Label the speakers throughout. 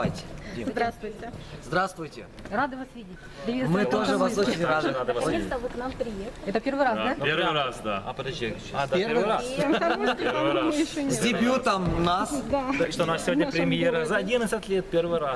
Speaker 1: Давайте. Дим.
Speaker 2: Здравствуйте.
Speaker 1: Здравствуйте.
Speaker 2: Рады вас видеть.
Speaker 1: Мы тоже вас очень рады.
Speaker 2: Наконец-то вы к нам приехали. Это первый раз, да?
Speaker 3: Первый раз, да.
Speaker 4: А подожди,
Speaker 1: Первый раз.
Speaker 3: Первый раз.
Speaker 1: С дебютом нас.
Speaker 4: так что у нас сегодня премьера за 11 лет, первый раз.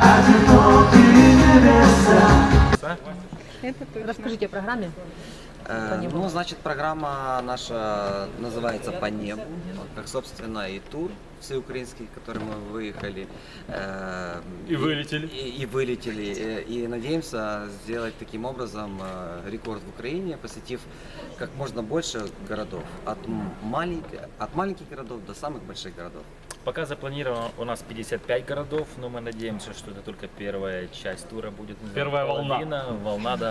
Speaker 2: Расскажите о программе.
Speaker 1: Ну, значит, программа наша называется «По небу», как, собственно, и тур всеукраинский, который мы выехали.
Speaker 3: И вылетели.
Speaker 1: И вылетели. И надеемся сделать таким образом рекорд в Украине, посетив как можно больше городов. От маленьких городов до самых больших городов.
Speaker 4: Пока запланировано у нас 55 городов, но мы надеемся, что это только первая часть тура будет.
Speaker 3: Первая волна.
Speaker 4: Половина, волна, да.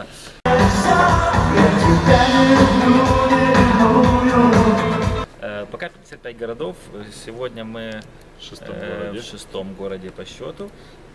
Speaker 4: Пока 55 городов. Сегодня мы в шестом городе по счету.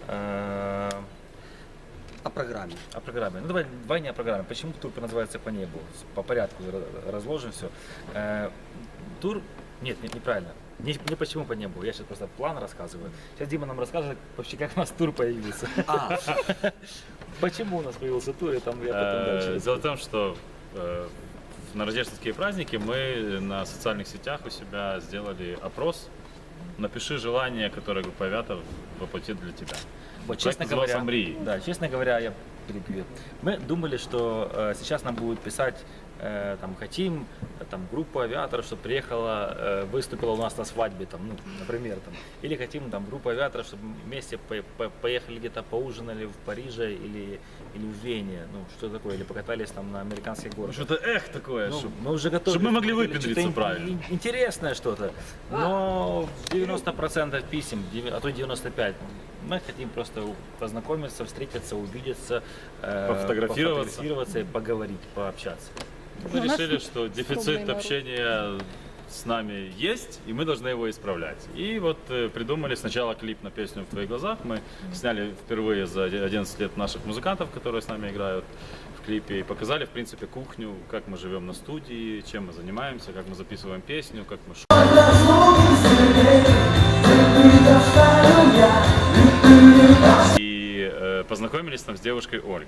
Speaker 1: О программе.
Speaker 4: О программе. Ну давай не о программе. Почему тур называется «По небу»? По порядку разложим все. Тур... Нет, неправильно. Не почему по небу, я сейчас просто план рассказываю. Сейчас Дима нам расскажет вообще, как у нас тур появился. Почему у нас появился тур, и там я потом дальше.
Speaker 3: Дело в том, что на рождественские праздники мы на социальных сетях у себя сделали опрос. Напиши желание, которое группа Авиатор воплотит для тебя.
Speaker 4: Вот, честно говоря,
Speaker 3: «Мрии».
Speaker 4: да, честно говоря, я перебью. Мы думали, что сейчас нам будут писать, там, хотим, там, группу авиаторов, чтобы приехала, выступила у нас на свадьбе, там, ну, например, там, или хотим, там, группу авиаторов, чтобы вместе поехали где-то поужинали в Париже или в Вене, ну, что такое, или покатались там на американских горах.
Speaker 3: Что-то такое,
Speaker 4: Ну,
Speaker 3: чтобы
Speaker 4: мы уже готовы.
Speaker 3: мы могли
Speaker 4: Что-то
Speaker 3: выпендриться правильно.
Speaker 4: Интересное что-то. Но 90% писем, а то 95%. Мы хотим просто познакомиться, встретиться, увидеться, пофотографироваться и поговорить, пообщаться.
Speaker 3: Мы решили, что дефицит общения с нами есть, и мы должны его исправлять. И вот придумали сначала клип на песню «В твоих глазах». Мы сняли впервые за 11 лет наших музыкантов, которые с нами играют в клипе, и показали, в принципе, кухню, как мы живем на студии, чем мы занимаемся, как мы записываем песню, как мы И познакомились там с девушкой Ольгой.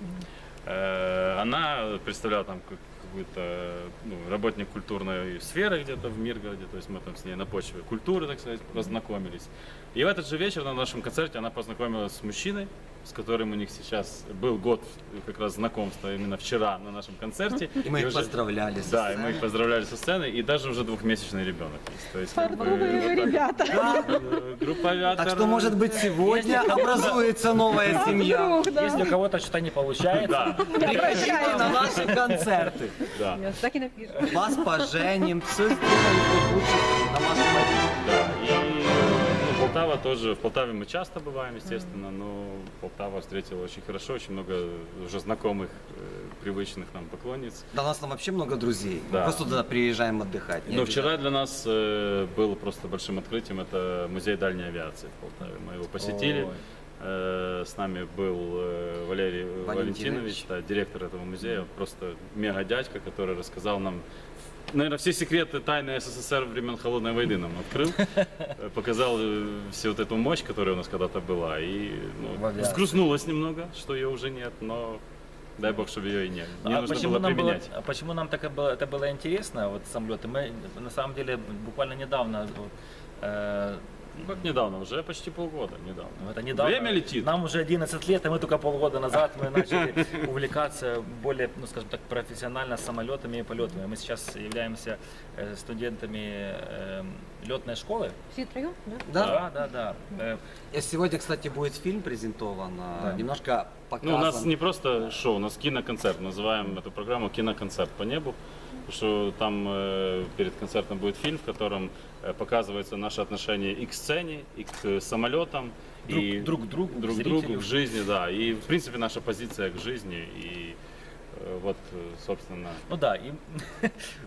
Speaker 3: Она представляла там какую-то работник культурной сферы где-то в Миргороде, то есть мы там с ней на почве культуры, так сказать, познакомились. И в этот же вечер на нашем концерте она познакомилась с мужчиной, с которым у них сейчас был год как раз знакомства, именно вчера на нашем концерте.
Speaker 1: И мы их поздравляли.
Speaker 3: Да, и мы их поздравляли со сцены, и даже уже двухмесячный ребенок есть. То есть,
Speaker 2: ребята.
Speaker 3: группа Авиатор.
Speaker 1: Так что, может быть, сегодня образуется новая семья.
Speaker 4: Если у кого-то что-то не получается,
Speaker 1: Приходите на наши концерты.
Speaker 3: Да.
Speaker 2: Так и напишем.
Speaker 1: Вас поженим, все сделаем лучше на вашем
Speaker 3: Да, и Полтава тоже, в Полтаве мы часто бываем, естественно, но Полтава встретила очень хорошо, очень много уже знакомых, привычных нам поклонниц.
Speaker 1: Да, у нас там вообще много друзей.
Speaker 3: Да.
Speaker 1: Мы просто туда приезжаем отдыхать.
Speaker 3: Но вчера для нас было просто большим открытием, это музей дальней авиации в Полтаве. Мы его посетили. С нами был Валерий Валентинович, да, директор этого музея, просто мега дядька, который рассказал нам, наверное, все секреты тайны СССР времен Холодной войны нам открыл, показал всю вот эту мощь, которая у нас когда-то была, и взгрустнулось немного, что ее уже нет, но дай бог, чтобы ее и нет. Не нужно было применять.
Speaker 4: Почему нам это было интересно, вот самолеты? Мы на самом деле буквально недавно
Speaker 3: Ну как недавно, уже почти полгода недавно.
Speaker 4: Это недавно.
Speaker 3: Время летит.
Speaker 4: Нам уже 11 лет, и мы только полгода назад мы начали увлекаться более, ну скажем так, профессионально самолетами и полетами. Мы сейчас являемся студентами летной школы.
Speaker 2: Все троем,
Speaker 1: Да?
Speaker 4: Да.
Speaker 1: И сегодня, кстати, будет фильм презентован, немножко показан.
Speaker 3: Ну, у нас не просто шоу, у нас киноконцерт. Называем эту программу «Киноконцерт по небу». Потому что там перед концертом будет фильм, в котором показывается наше отношение и к сцене, и к самолетам, и
Speaker 4: друг к другу,
Speaker 3: друг к другу, к жизни, да. И, в принципе, наша позиция к жизни. И вот, собственно...
Speaker 4: Ну да, и...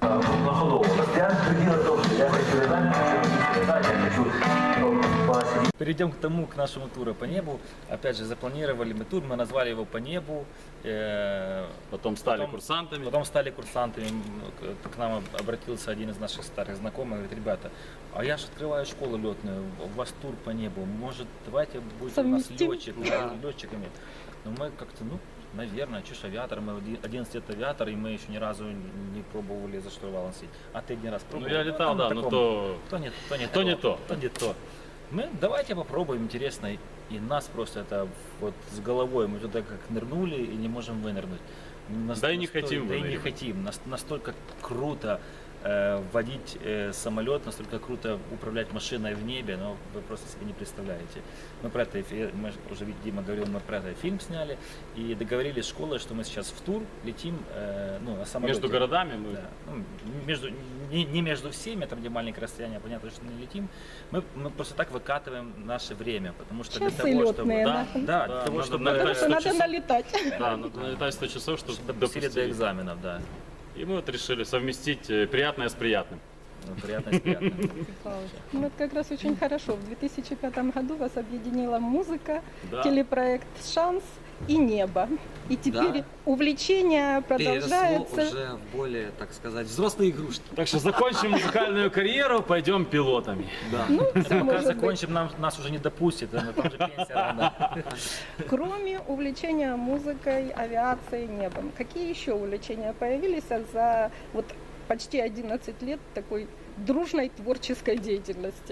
Speaker 5: Я хочу
Speaker 4: Перейдем к тому, к нашему туру по небу. Опять же, запланировали мы тур, мы назвали его «По небу».
Speaker 3: Потом стали курсантами.
Speaker 4: Потом стали курсантами. К нам обратился один из наших старых знакомых, говорит: ребята, а я же открываю школу летную, у вас тур по небу, может, давайте будете у нас
Speaker 2: Совместим?
Speaker 4: летчиками. Но мы как-то, наверное, чушь авиатор, мы 11 лет авиатор, и мы еще ни разу не пробовали за штурвалом сидеть. А ты один раз
Speaker 3: Ну,
Speaker 4: пробовал?
Speaker 3: я летал, да, но то...
Speaker 4: То не
Speaker 3: то.
Speaker 4: то. Мы давайте попробуем, интересно. И нас просто это вот с головой, мы туда как нырнули и не можем вынырнуть.
Speaker 3: Да и не хотим
Speaker 4: Да и не
Speaker 3: выныривать.
Speaker 4: хотим. Настолько круто водить самолет, настолько круто управлять машиной в небе, но вы просто себе не представляете. Мы про это, мы уже, Дима говорил, мы про это фильм сняли и договорились с школой, что мы сейчас в тур летим на самолете.
Speaker 3: Между городами мы...
Speaker 4: Да. Не между всеми, там где маленькое расстояние, понятно, что не летим. Мы просто так выкатываем наше время, потому что
Speaker 2: Часы
Speaker 4: для того, чтобы...
Speaker 2: летные,
Speaker 4: Да,
Speaker 2: да.
Speaker 4: для
Speaker 3: Да,
Speaker 4: того,
Speaker 3: надо
Speaker 4: чтобы...
Speaker 3: налетать
Speaker 2: Потому что
Speaker 3: 100
Speaker 2: надо
Speaker 3: часов.
Speaker 2: налетать.
Speaker 3: Да, надо налетать 100 часов, чтобы
Speaker 4: Чтобы допустили до
Speaker 3: допустили.
Speaker 4: экзаменов, да.
Speaker 3: И мы вот решили совместить приятное с приятным.
Speaker 4: Приятно, приятно.
Speaker 2: Ну, это как раз очень хорошо. В 2005 году вас объединила музыка,
Speaker 3: Да.
Speaker 2: телепроект «Шанс» и «Небо». И теперь
Speaker 1: Да.
Speaker 2: увлечение
Speaker 1: Переросло
Speaker 2: продолжается.
Speaker 1: уже в более, так сказать, взрослые игрушки.
Speaker 3: Так что закончим музыкальную карьеру, пойдем пилотами.
Speaker 1: Да.
Speaker 2: Всё
Speaker 4: Пока
Speaker 2: может быть.
Speaker 4: закончим, нас уже не допустят, там же пенсия рано.
Speaker 2: Кроме увлечения музыкой, авиацией, небом, какие еще увлечения появились за вот почти 11 лет такой дружной творческой деятельности?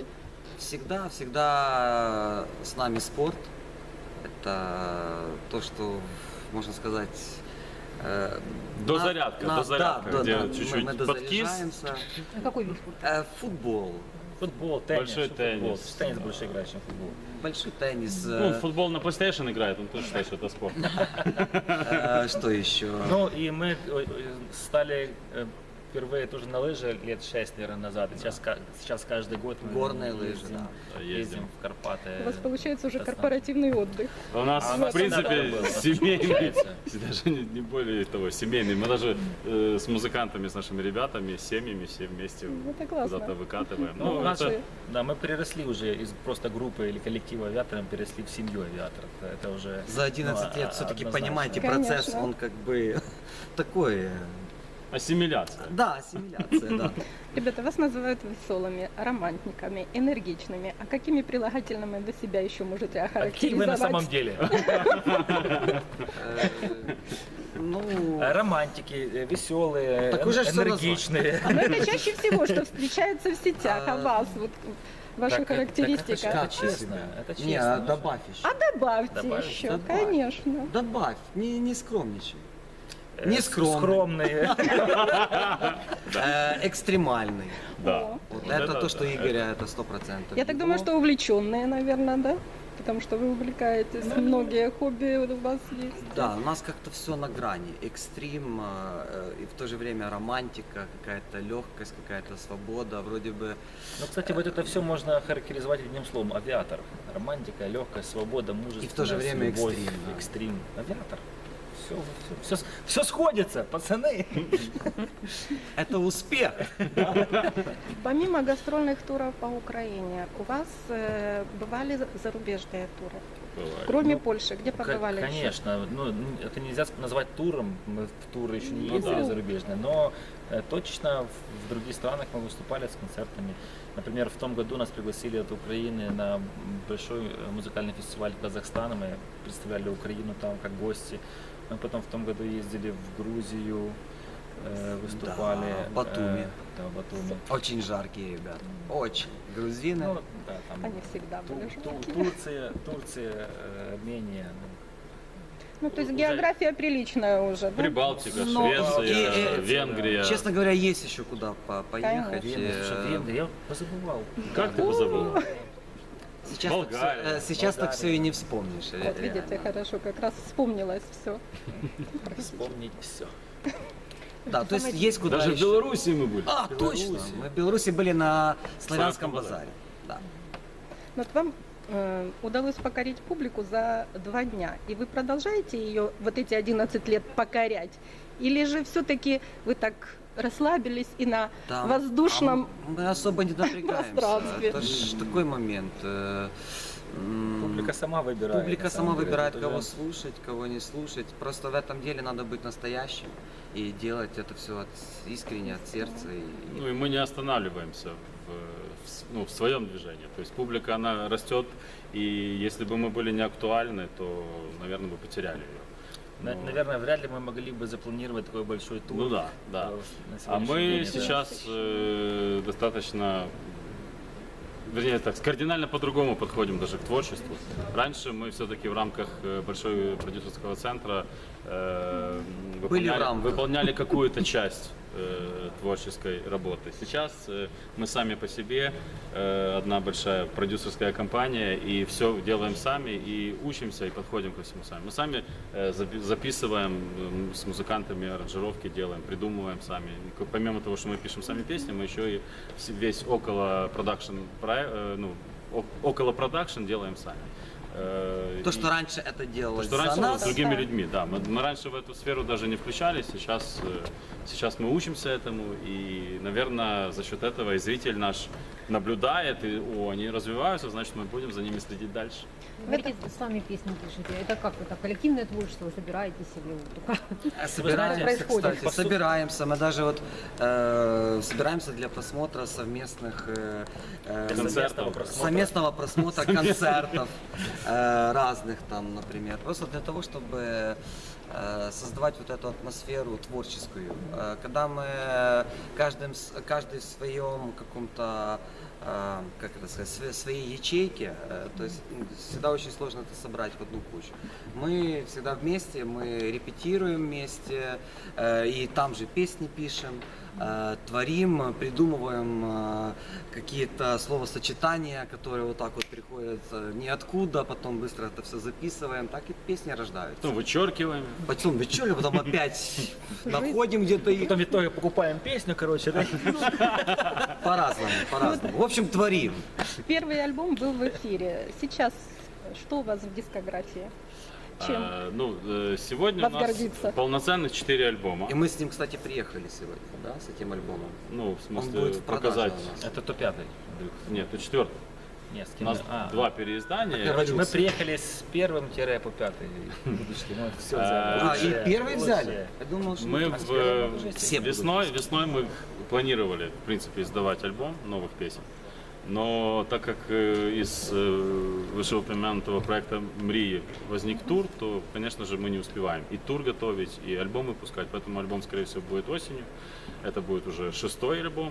Speaker 1: Всегда с нами спорт. Это то, что, можно сказать...
Speaker 3: Дозарядка, где чуть-чуть
Speaker 1: мы
Speaker 3: подкис.
Speaker 2: А
Speaker 1: дозаряжаемся.
Speaker 2: какой вид спорта?
Speaker 1: Футбол,
Speaker 4: Футбол, теннис.
Speaker 3: Большой
Speaker 4: что футбол?
Speaker 3: теннис.
Speaker 4: Теннис больше играешь, чем футбол.
Speaker 1: большой теннис.
Speaker 3: Ну, в футбол на PlayStation играет, он тоже считает, что это спорт.
Speaker 1: Что еще?
Speaker 4: Ну и мы стали впервые тоже на лыжи лет 6, наверное, назад. И сейчас каждый год мы
Speaker 1: Горные лыжи,
Speaker 4: ездим,
Speaker 1: да.
Speaker 4: ездим в Карпаты.
Speaker 2: У вас получается уже
Speaker 4: достаточно.
Speaker 2: корпоративный отдых.
Speaker 3: У нас,
Speaker 4: А у
Speaker 3: в
Speaker 4: нас
Speaker 3: принципе,
Speaker 4: всегда было.
Speaker 3: семейный,
Speaker 4: Получается.
Speaker 3: даже не более того, семейный. Мы даже с музыкантами, с нашими ребятами, с семьями все вместе
Speaker 2: Это классно.
Speaker 3: куда-то выкатываем.
Speaker 4: Ну,
Speaker 3: Ну,
Speaker 4: у нас
Speaker 3: это-
Speaker 4: же, да, мы переросли уже из просто группы или коллектива авиаторов, переросли в семью авиаторов. Это уже
Speaker 1: За 11 лет все-таки,
Speaker 4: однозначно.
Speaker 1: понимаете,
Speaker 2: Конечно.
Speaker 1: процесс, он как бы такой...
Speaker 3: ассимиляция.
Speaker 1: Да, ассимиляция, да.
Speaker 2: Ребята, вас называют веселыми, романтиками, энергичными. А какими прилагательными вы себя еще можете
Speaker 4: А какие вы на
Speaker 2: охарактеризовать?
Speaker 4: самом деле?
Speaker 1: Ну,
Speaker 4: Романтики, веселые,
Speaker 1: Так уже ж всё
Speaker 4: энергичные.
Speaker 2: Но это чаще всего, что встречается в сетях. А вас, вот ваша
Speaker 4: Так,
Speaker 2: характеристика.
Speaker 4: Это честно. Это
Speaker 1: не,
Speaker 4: честно.
Speaker 1: добавь еще.
Speaker 2: А добавьте
Speaker 4: Добавить?
Speaker 2: еще,
Speaker 1: Добавь.
Speaker 2: конечно.
Speaker 1: Добавь, не скромничай. Не скромный.
Speaker 4: Скромные.
Speaker 1: Экстремальный.
Speaker 3: Да.
Speaker 2: О.
Speaker 1: Вот
Speaker 3: Вот
Speaker 1: это
Speaker 3: это
Speaker 1: то, что
Speaker 3: да,
Speaker 1: Игоря, это 100%.
Speaker 2: Я так думаю, что увлеченные, наверное, да? Потому что вы увлекаетесь, многие хобби у вас есть.
Speaker 1: Да, у нас как-то все на грани. Экстрим и в то же время романтика, какая-то легкость, какая-то свобода. Вроде бы
Speaker 4: Ну, кстати, вот это все можно характеризовать одним словом. Авиатор. Романтика, легкость, свобода, мужество.
Speaker 1: И в то же время экстрим, да.
Speaker 4: Экстрим. Авиатор. Все сходится, пацаны.
Speaker 1: это успех.
Speaker 2: Помимо гастрольных туров по Украине, у вас бывали зарубежные туры?
Speaker 3: Бывает.
Speaker 2: Кроме
Speaker 4: Ну,
Speaker 2: Польши, где побывали еще?
Speaker 4: Конечно, ну, это нельзя назвать туром, мы в туры еще не
Speaker 3: Ну
Speaker 4: ездили
Speaker 3: да.
Speaker 4: зарубежные, но точно в других странах мы выступали с концертами. Например, в том году нас пригласили от Украины на большой музыкальный фестиваль Казахстана, мы представляли Украину там как гости. Мы потом в том году ездили в Грузию, выступали.
Speaker 1: Да, в Батуми.
Speaker 4: Да, в Батуми.
Speaker 1: Очень жаркие ребята. Очень. Грузины.
Speaker 4: Ну, да, там
Speaker 2: Они всегда были жаркие.
Speaker 4: Турция, Армения.
Speaker 2: Ну, то есть
Speaker 4: уже-
Speaker 2: география приличная уже, да?
Speaker 3: Прибалтика,
Speaker 1: Но-
Speaker 3: Швеция,
Speaker 1: и-
Speaker 3: Венгрия.
Speaker 1: Честно говоря, есть еще куда поехать.
Speaker 4: Венгрия, слушай, Венгрия, я позабывал.
Speaker 3: Как ты позабыл?
Speaker 1: Сейчас,
Speaker 3: Болгария.
Speaker 1: сейчас так
Speaker 4: Болгария.
Speaker 1: все и не вспомнишь.
Speaker 2: Вот видите,
Speaker 1: реально.
Speaker 2: хорошо, как раз вспомнилось все.
Speaker 4: Вспомнить все.
Speaker 1: Да, то есть есть куда
Speaker 3: Даже в
Speaker 1: еще.
Speaker 3: Беларуси мы были.
Speaker 1: А, точно. Мы в Беларуси были на Славянском
Speaker 3: Славянском базаре.
Speaker 1: базаре. Да.
Speaker 2: Вот вам удалось покорить публику за 2 дня, и вы продолжаете ее вот эти 11 лет покорять? Или же все-таки вы так расслабились и на
Speaker 1: Там,
Speaker 2: воздушном
Speaker 1: мы особо не напрягаемся.
Speaker 2: пространстве.
Speaker 1: Это ж такой момент.
Speaker 4: Публика сама выбирает.
Speaker 1: Публика
Speaker 4: на
Speaker 1: сама
Speaker 4: самом деле.
Speaker 1: выбирает,
Speaker 4: Тут
Speaker 1: кого
Speaker 4: уже-
Speaker 1: слушать, кого не слушать. Просто в этом деле надо быть настоящим и делать это все искренне, от сердца.
Speaker 3: Ну и мы не останавливаемся в своем движении. То есть публика, она растет, и если бы мы были не актуальны, то, наверное, бы потеряли ее.
Speaker 4: Наверное, вряд ли мы могли бы запланировать такой большой тур.
Speaker 3: Ну да, да.
Speaker 4: на
Speaker 3: А
Speaker 4: сегодняшний
Speaker 3: мы
Speaker 4: день. Это-
Speaker 3: сейчас достаточно, вернее так, кардинально по-другому подходим даже к творчеству. Раньше мы все-таки в рамках большого продюсерского центра
Speaker 1: Были в рамках.
Speaker 3: выполняли какую-то часть творческой работы. Сейчас мы сами по себе, одна большая продюсерская компания, и все делаем сами, и учимся, и подходим ко всему сами. Мы сами записываем с музыкантами, аранжировки делаем, придумываем сами. И помимо того, что мы пишем сами песни, мы еще и весь около продакшн делаем сами.
Speaker 1: То, что раньше это делалось
Speaker 3: Что
Speaker 1: за
Speaker 3: раньше
Speaker 1: нас,
Speaker 3: с другими людьми, да. Мы раньше в эту сферу даже не включались, сейчас мы учимся этому, и, наверное, за счет этого и зритель наш наблюдает, и они развиваются, значит, мы будем за ними следить дальше.
Speaker 5: Говорите, сами песни пишете. Это как это? Коллективное творчество, вы собираетесь или только?
Speaker 1: собираемся,
Speaker 5: происходит?
Speaker 1: кстати, собираемся. Мы даже вот собираемся для просмотра совместных
Speaker 3: Концертов.
Speaker 1: совместного просмотра концертов разных там, например. Просто для того, чтобы создавать вот эту атмосферу творческую. Когда мы каждый в своем каком-то, как это сказать, своей ячейке, то есть всегда очень сложно это собрать в одну кучу. Мы всегда вместе, мы репетируем вместе, и там же песни пишем, творим, придумываем какие-то словосочетания, которые вот так вот приходят ниоткуда, потом быстро это все записываем, так и песни рождаются.
Speaker 3: Ну, вычеркиваем.
Speaker 1: Потом вечером, потом опять находим где-то их.
Speaker 4: Потом в итоге покупаем песню, короче, да?
Speaker 1: По-разному, по-разному. В общем, творим.
Speaker 2: Первый альбом был в эфире. Сейчас что у вас в дискографии? Чем?
Speaker 3: Сегодня у
Speaker 2: Вас
Speaker 3: нас
Speaker 2: гордиться.
Speaker 3: полноценных 4 альбома.
Speaker 1: И мы с ним, кстати, приехали сегодня, да, с этим альбомом.
Speaker 3: Ну, в
Speaker 1: Он
Speaker 3: смысле,
Speaker 1: будет в продаже
Speaker 3: показать.
Speaker 1: у нас.
Speaker 4: Это то пятый. Андрюх.
Speaker 3: Нет, это 4.
Speaker 4: Нет, с
Speaker 3: У
Speaker 4: кем?
Speaker 3: нас
Speaker 4: А,
Speaker 3: 2 переиздания.
Speaker 1: Короче,
Speaker 4: Мы приехали с первым-по пятый выпуски. Ну, это все
Speaker 1: А, и первый взяли? Я думал, что
Speaker 3: Мы
Speaker 1: с первым уже все будут.
Speaker 3: весной мы планировали, в принципе, издавать альбом новых песен. Но так как из вышеупомянутого проекта «Мрии» возник тур, то, конечно же, мы не успеваем и тур готовить, и альбом выпускать. Поэтому альбом, скорее всего, будет осенью. Это будет уже 6-й альбом.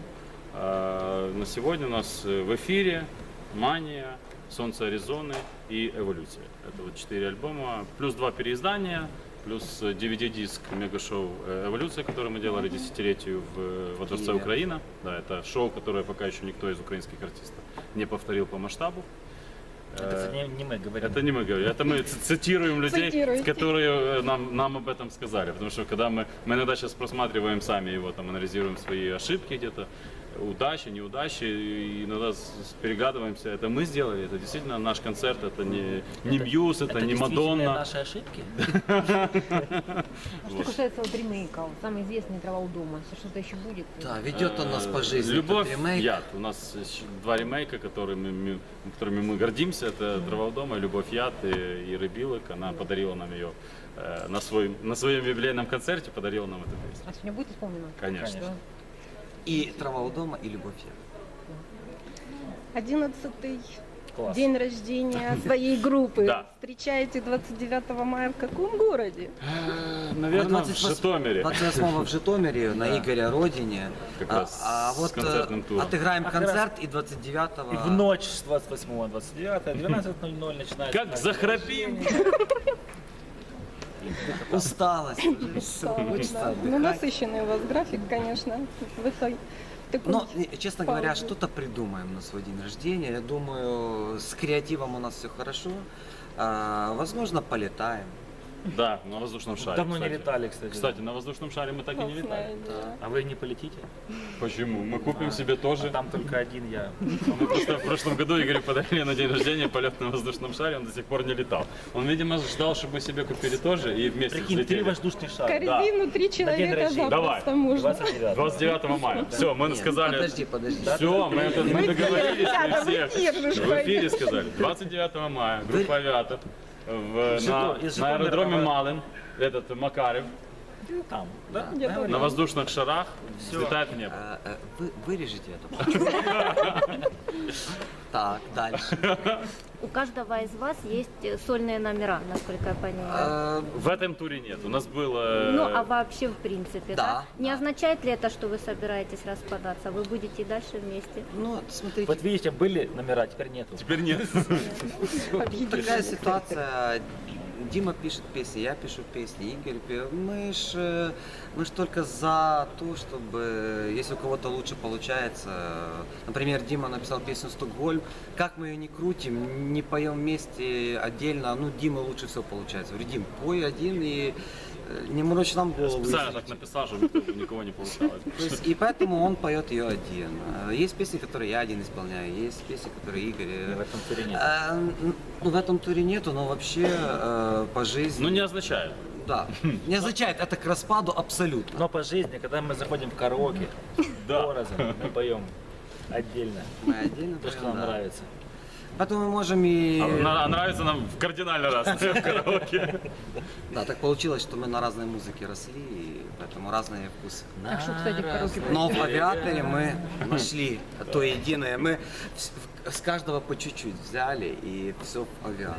Speaker 3: На сегодня у нас в эфире «Мания», «Солнце Аризоны» и «Эволюция». Это вот 4 альбома, плюс 2 переиздания, плюс DVD-диск мега-шоу «Эволюция», которое мы делали десятилетию во Дворце
Speaker 1: Киеве.
Speaker 3: Украина. Да, это шоу, которое пока еще никто из украинских артистов не повторил по масштабу.
Speaker 4: Это, кстати, не мы говорим.
Speaker 3: Это не мы говорим, это мы цитируем людей,
Speaker 2: Цитируете.
Speaker 3: которые нам об этом сказали. Потому что когда мы иногда сейчас просматриваем сами его, там, анализируем свои ошибки где-то, удачи, неудачи, и иногда перегадываемся, это мы сделали, это действительно наш концерт, это не Мьюз, это не
Speaker 4: действительно
Speaker 3: Мадонна.
Speaker 4: наши ошибки?
Speaker 5: А что касается вот ремейков, самый известный «Трава у дома», если что-то еще будет?
Speaker 1: Да, ведет он нас по жизни.
Speaker 3: Любовь,
Speaker 1: этот ремейк.
Speaker 3: яд. У нас 2 ремейка, которыми мы гордимся. Это «Дрова у дома», «Любовь, яд» и «Рыбилок». Она подарила нам ее на своем юбилейном концерте, подарила нам эту песню.
Speaker 5: А сегодня будет исполнено?
Speaker 3: Конечно.
Speaker 5: Да.
Speaker 1: И «Трава у дома», и «Любовь».
Speaker 2: 11-й
Speaker 4: Класс.
Speaker 2: день рождения своей группы.
Speaker 3: Да.
Speaker 2: Встречаете 29 мая в каком городе?
Speaker 3: Наверное, в Житомире.
Speaker 1: 28-го в Житомире, на
Speaker 4: Да.
Speaker 1: Игоря родине.
Speaker 3: Как раз с концертным туром.
Speaker 1: отыграем
Speaker 4: А как
Speaker 1: концерт, и 29-го...
Speaker 4: И в ночь с 28 на 29, 12:00 начинается.
Speaker 3: Как захрапим!
Speaker 1: Усталость. уже всё,
Speaker 2: Да,
Speaker 1: хочется
Speaker 2: да. Ну,
Speaker 1: отдыхать.
Speaker 2: насыщенный у вас график, конечно, в этой такой
Speaker 1: Но, честно говоря,
Speaker 2: паузе.
Speaker 1: что-то придумаем на свой день рождения. Я думаю, с креативом у нас все хорошо. Возможно, полетаем.
Speaker 3: Да, на воздушном шаре.
Speaker 4: Давно не
Speaker 3: кстати.
Speaker 4: летали, кстати.
Speaker 3: Кстати, на воздушном шаре мы так и не
Speaker 2: Классная
Speaker 3: летали.
Speaker 2: идея.
Speaker 4: А вы не полетите?
Speaker 3: Почему? Мы купим себе
Speaker 4: А
Speaker 3: тоже.
Speaker 4: там только один я.
Speaker 3: Мы просто в прошлом году Игорю подарили на день рождения полет на воздушном шаре, он до сих пор не летал. Он, видимо, ждал, чтобы мы себе купили тоже и вместе
Speaker 4: Прикинь, 3
Speaker 3: взлетели.
Speaker 4: воздушных шара.
Speaker 2: Корзину 3
Speaker 4: На день
Speaker 2: человека
Speaker 4: рождения.
Speaker 2: запросто
Speaker 3: Давай.
Speaker 2: можно.
Speaker 4: 29.
Speaker 3: 29 мая. Все, мы
Speaker 1: Нет,
Speaker 3: сказали.
Speaker 1: Подожди.
Speaker 3: Все, мы договорились
Speaker 2: ребята,
Speaker 3: при всех.
Speaker 2: в эфир же
Speaker 3: В эфире сказали. 29 мая группа авиаторов
Speaker 4: Из
Speaker 3: на аэродроме
Speaker 4: Житомира.
Speaker 3: Малин, этот Макарев,
Speaker 4: Там, да?
Speaker 2: Где-то
Speaker 3: на
Speaker 2: там.
Speaker 3: воздушных шарах взлетает в небо.
Speaker 1: Вырежите это. Так, дальше.
Speaker 6: У каждого из вас есть сольные номера, насколько я понимаю.
Speaker 3: В этом туре нет. У нас было...
Speaker 6: Ну, а вообще в принципе, да?
Speaker 1: Да,
Speaker 6: Не
Speaker 1: да.
Speaker 6: означает ли это, что вы собираетесь распадаться? Вы будете и дальше вместе?
Speaker 1: Ну, смотрите,
Speaker 4: Вот видите, были номера, теперь нету.
Speaker 3: Теперь нет.
Speaker 1: такая ситуация. Дима пишет песни, я пишу песни, Игорь пишет. Мы ж только за то, чтобы, если у кого-то лучше получается, например, Дима написал песню «Стокгольм», как мы ее не крутим, не поем вместе отдельно, ну, Дима лучше всего получается. Говорю, Дим, пой один и не морочь нам голову.
Speaker 3: Специально
Speaker 1: если
Speaker 3: так написал, чтобы у никого не получалось.
Speaker 1: То есть, и поэтому он поет ее один. Есть песни, которые я один исполняю, есть песни, которые Игорь.
Speaker 4: В этом туре нет.
Speaker 1: Ну, в этом туре нету, но вообще по жизни.
Speaker 3: Ну, не означает.
Speaker 1: Да. Не означает это к распаду абсолютно.
Speaker 4: Но по жизни, когда мы заходим в караоке,
Speaker 3: Да.
Speaker 4: разом, мы поем отдельно.
Speaker 1: Мы отдельно
Speaker 4: То, что
Speaker 1: поем,
Speaker 4: нам
Speaker 1: да.
Speaker 4: нравится.
Speaker 1: Поэтому мы можем и.
Speaker 3: А нравится нам в кардинально раз в караоке.
Speaker 1: Да, так получилось, что мы на разной музыке росли, и поэтому разные вкусы.
Speaker 5: Так что, кстати, в караоке
Speaker 1: Но в авиаторе мы нашли то единое. Мы с каждого по чуть-чуть взяли, и все в авиаторе.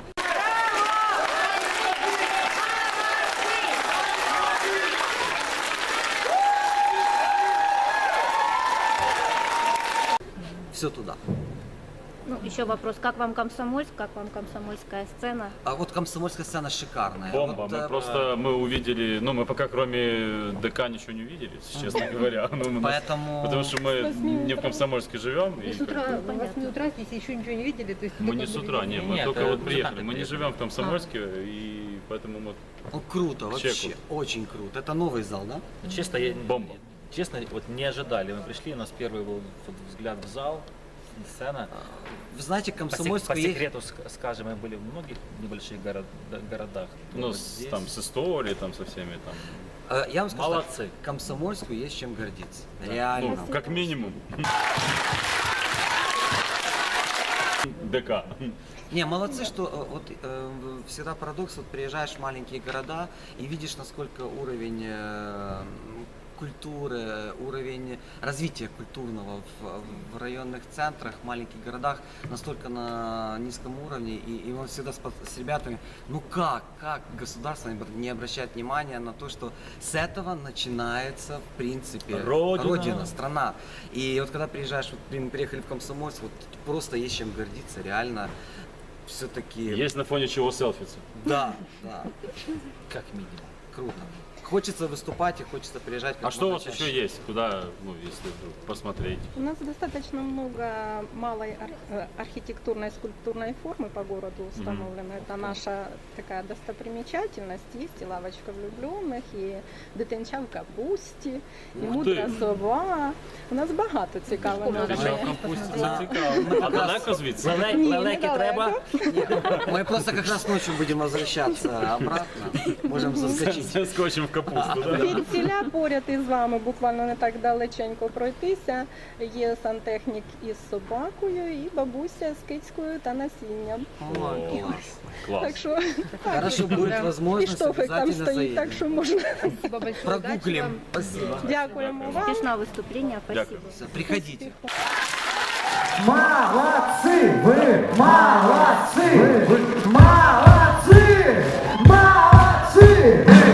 Speaker 1: Все туда.
Speaker 6: Ну, еще вопрос, как вам Комсомольск, как вам комсомольская сцена?
Speaker 1: А вот комсомольская сцена шикарная.
Speaker 3: Бомба.
Speaker 1: Вот,
Speaker 3: Мы увидели, ну мы пока кроме ДК ничего не увидели, честно говоря. Ну,
Speaker 1: Поэтому.
Speaker 3: Потому что мы
Speaker 2: 8
Speaker 3: не в Комсомольске живем.
Speaker 5: Вы
Speaker 3: И
Speaker 5: с утра,
Speaker 3: как бы
Speaker 5: в 8 утра здесь еще ничего не видели? То есть
Speaker 3: мы
Speaker 5: только
Speaker 3: не с
Speaker 5: были
Speaker 3: утра,
Speaker 5: видели?
Speaker 3: не, мы
Speaker 4: Нет,
Speaker 3: только вот
Speaker 4: музыканты
Speaker 3: приехали. Мы не
Speaker 4: приехали.
Speaker 3: живем в Комсомольске, и поэтому мы...
Speaker 1: Ну, круто, вообще,
Speaker 3: Чеку.
Speaker 1: очень круто. Это новый зал, да?
Speaker 4: Честно,
Speaker 3: Бомба.
Speaker 4: Честно, вот не ожидали. Мы пришли, у нас первый был взгляд в зал, сцена.
Speaker 1: Вы знаете,
Speaker 4: По
Speaker 1: Комсомольская есть.
Speaker 4: секрету скажем, мы были в многих небольших городах.
Speaker 3: Ну,
Speaker 4: Вот
Speaker 3: с,
Speaker 4: здесь.
Speaker 3: там, с историей, там, со всеми там.
Speaker 1: Я вам скажу,
Speaker 4: Молодцы.
Speaker 1: так, Комсомольскую есть чем гордиться.
Speaker 3: Ну,
Speaker 1: Реально.
Speaker 3: как минимум. ДК.
Speaker 1: Не, молодцы, что вот всегда парадокс, вот приезжаешь в маленькие города и видишь, насколько уровень культуры, уровень развития культурного в районных центрах, в маленьких городах настолько на низком уровне, и мы всегда с ребятами, ну как государство не обращает внимания на то, что с этого начинается, в принципе,
Speaker 4: Родина.
Speaker 1: страна. И вот когда приезжаешь, вот мы приехали в Комсомольск, вот просто есть чем гордиться, реально, все-таки.
Speaker 3: Есть на фоне чего селфиться.
Speaker 1: Да,
Speaker 4: Как минимум.
Speaker 1: круто. Хочется выступать и хочется приезжать. как
Speaker 3: А что у
Speaker 1: можно
Speaker 3: вас
Speaker 1: чаще.
Speaker 3: еще есть? Куда, ну, если вдруг посмотреть?
Speaker 2: У нас достаточно много малой архитектурной скульптурной формы по городу установлено. Это наша такая достопримечательность. Есть и лавочка влюбленных, и дитинча в капусті, і
Speaker 3: Ух
Speaker 2: мудра
Speaker 3: ти!
Speaker 2: сова. У нас багато цікавого.
Speaker 3: Дитяча в
Speaker 2: є.
Speaker 3: капусті,
Speaker 1: Да.
Speaker 3: це цікаво. А далеко звідси?
Speaker 2: Ні,
Speaker 4: Лелеки
Speaker 2: недалеко.
Speaker 4: треба.
Speaker 1: Мы просто как раз ночью будем возвращаться обратно. Можем заскочить.
Speaker 3: Скочимо в капусту, да?
Speaker 2: Від ціля поряд із вами, буквально не так далеченько пройтися, є сантехнік із собакою і бабуся з кицькою та насінням.
Speaker 1: Ой, класс.
Speaker 3: Клас.
Speaker 2: Так що
Speaker 1: Хорошо, будет
Speaker 2: і
Speaker 1: возможность,
Speaker 2: штофик там
Speaker 1: обязательно
Speaker 2: стоїть, так
Speaker 1: заедем.
Speaker 2: що можна.
Speaker 5: Спасибо большое. удачи
Speaker 1: Прогуглим.
Speaker 5: вам.
Speaker 1: Спасибо.
Speaker 2: Дякуємо вам.
Speaker 6: Успешного выступления, спасибо.
Speaker 1: Всё, приходите.
Speaker 7: Молодцы! Вы молодцы! Вы молодцы! Молодцы!